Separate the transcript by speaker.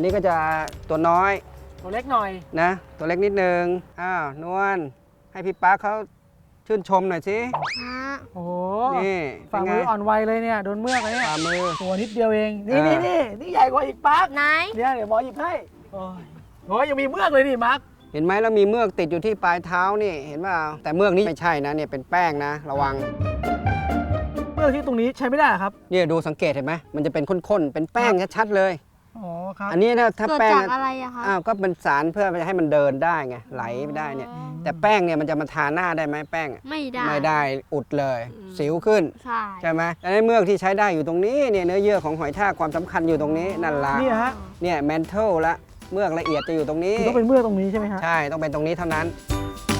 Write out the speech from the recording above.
Speaker 1: นี้ก็จะตัวน้อย
Speaker 2: ตัวเล็กหน่อย
Speaker 1: นะตัวเล็กนิดนึงนวลให้พี่ป๊าเขาชื่นชมหน่อยสิ
Speaker 2: โอ้โห
Speaker 1: นี่
Speaker 2: ฝ่ามืออ่อนไวเลยเนี่ยโดนเมือกเลยเนี่ย
Speaker 1: ฝ่ามือ
Speaker 2: ตัวนิดเดียวเองนี่ใหญ่กว่าอีกปั๊บ
Speaker 3: ไหน
Speaker 2: เนี่ยเดี๋ยวหมอหยิบให้โอ้ยยังมีเมือกเลยนี่มาร์ค
Speaker 1: เห็นไหมแล้วมีเมือกติดอยู่ที่ปลายเท้านี่เห็นเปล่าแต่เมือกนี้ไม่ใช่นะเนี่ยเป็นแป้งนะระวัง
Speaker 2: เมือกที่ตรงนี้ใช้ไม่ได้ครับ
Speaker 1: เนี่ยดูสังเกตเห็นไหมมันจะเป็นข้นๆเป็นแป้งชัดๆเลย
Speaker 2: อ๋อครับ
Speaker 1: อันนี้นะถ้า
Speaker 3: เกิด
Speaker 1: แป้ง
Speaker 3: จากอะไรอะคะ
Speaker 1: ก็เป็นสารเพื่อให้มันเดินได้ไงไหลไปได้เนี่ยแต่แป้งเนี่ยมันจะมาทาหน้าได้ไหมแป้งอะ
Speaker 3: ไม่ได้
Speaker 1: ไม่ได้อุดเลย สิวขึ้น
Speaker 3: ใช่
Speaker 1: ไหมแล้วเมือกที่ใช้ได้อยู่ตรงนี้เนี่ยเนื้อเยื่อของหอยทากความสำคัญอยู่ตรงนี้นั่นละ
Speaker 2: นี่ฮะ
Speaker 1: เนี่ยแมนเทลละเมือกละเอียดจะอยู่ตรงนี้
Speaker 2: ต้องเป็นเมือกตรงนี้ใช่ไหมฮะ
Speaker 1: ใช่ต้องเป็นตรงนี้เท่านั้น